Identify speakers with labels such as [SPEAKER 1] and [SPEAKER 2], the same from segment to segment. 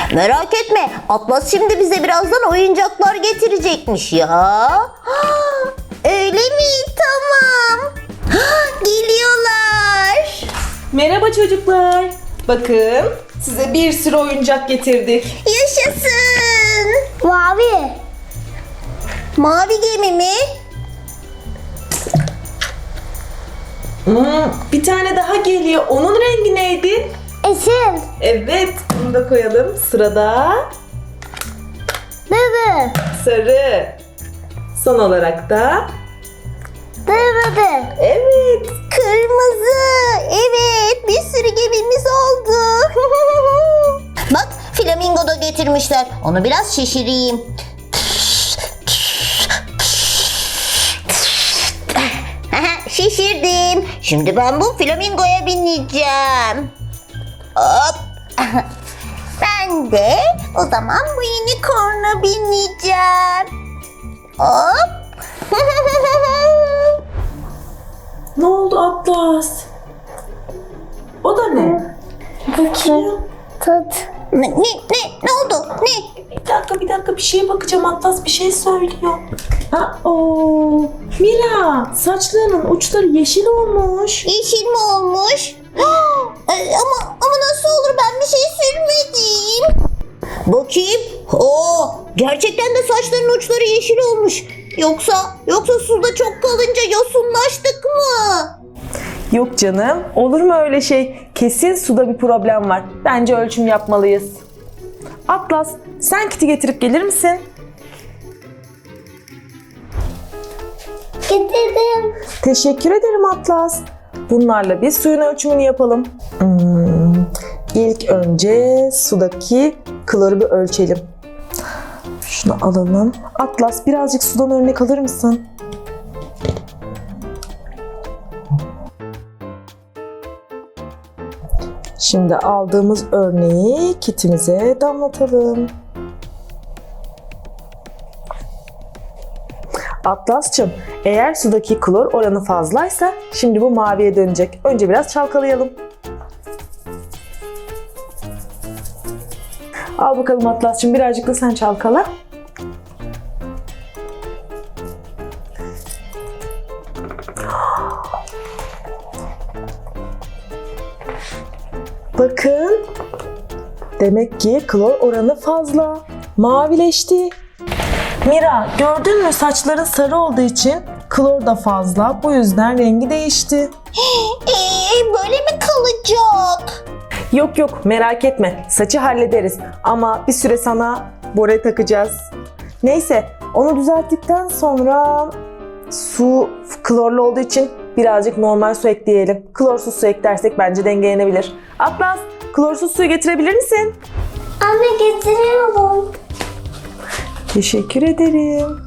[SPEAKER 1] Merak etme, Atlas şimdi bize birazdan oyuncaklar getirecekmiş ya. Öyle mi? Tamam. Geliyorlar.
[SPEAKER 2] Merhaba çocuklar. Bakın size bir sürü oyuncak getirdik.
[SPEAKER 1] Yaşasın.
[SPEAKER 3] Mavi.
[SPEAKER 1] Mavi gemi mi?
[SPEAKER 2] Bir tane daha geliyor. Onun rengi neydi?
[SPEAKER 3] Esin.
[SPEAKER 2] Evet, bunu da koyalım. Sırada
[SPEAKER 3] Dede.
[SPEAKER 2] sarı. Son olarak da
[SPEAKER 3] Dede.
[SPEAKER 2] evet.
[SPEAKER 1] Kırmızı. Evet, bir sürü gemimiz oldu. Bak, flamingo da getirmişler. Onu biraz şişireyim. Şişirdim. Şimdi ben bu flamingoya bineceğim. Hop. Ben de o zaman bu unicorn'a bineceğim. Hop.
[SPEAKER 2] Ne oldu Atlas? O da ne?
[SPEAKER 3] Bakayım. Tut.
[SPEAKER 1] Ne oldu? Ne?
[SPEAKER 2] Bir dakika bir şeye bakacağım. Atlas bir şey söylüyor. Mira, saçlarının uçları yeşil olmuş.
[SPEAKER 1] Yeşil mi olmuş? Ama nasıl olur, ben bir şey sürmedim. Bakayım. Gerçekten de saçların uçları yeşil olmuş. Yoksa suda çok kalınca yosunlaştık mı?
[SPEAKER 2] Yok canım. Olur mu öyle şey? Kesin suda bir problem var. Bence ölçüm yapmalıyız. Atlas, sen kiti getirip gelir misin?
[SPEAKER 3] Getirdim.
[SPEAKER 2] Teşekkür ederim Atlas. Bunlarla bir suyun ölçümünü yapalım. İlk önce sudaki kloru bir ölçelim. Şunu alalım. Atlas, birazcık sudan örnek alır mısın? Şimdi aldığımız örneği kitimize damlatalım. Atlas'cığım, eğer sudaki klor oranı fazlaysa şimdi bu maviye dönecek. Önce biraz çalkalayalım. Al bakalım Atlas'cığım, birazcık da sen çalkala. Bakın. Demek ki klor oranı fazla. Mavileşti. Mira, gördün mü, saçların sarı olduğu için klor da fazla. Bu yüzden rengi değişti.
[SPEAKER 1] Böyle mi kalacak?
[SPEAKER 2] Yok merak etme. Saçı hallederiz. Ama bir süre sana bore takacağız. Neyse, onu düzelttikten sonra su klorlu olduğu için birazcık normal su ekleyelim. Klorsuz su eklersek bence dengelenebilir. Atlas, klorsuz suyu getirebilir misin?
[SPEAKER 3] Anne getiriyorum.
[SPEAKER 2] Teşekkür ederim.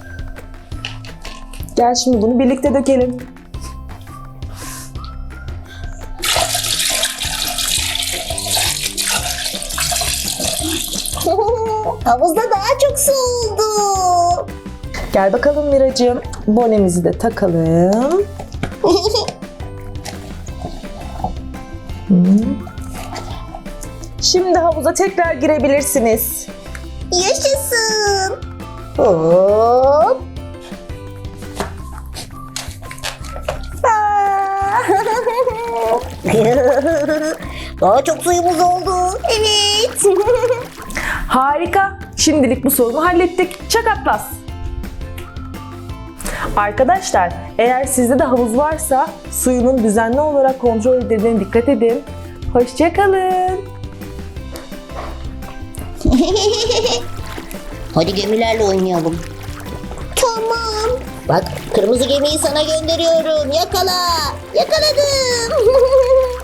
[SPEAKER 2] Gel şimdi bunu birlikte dökelim.
[SPEAKER 1] Havuzda daha çok su oldu.
[SPEAKER 2] Gel bakalım Miracığım. Bonemizi de takalım. Şimdi havuza tekrar girebilirsiniz.
[SPEAKER 1] Yaşasın. Hop. Daha çok suyumuz oldu. Evet.
[SPEAKER 2] Harika. Şimdilik bu sorunu hallettik. Çak Atlas. Arkadaşlar, eğer sizde de havuz varsa suyunun düzenli olarak kontrol edildiğine dikkat edin. Hoşça kalın.
[SPEAKER 1] Hadi gemilerle oynayalım. Tamam. Bak, kırmızı gemiyi sana gönderiyorum. Yakala. Yakaladım.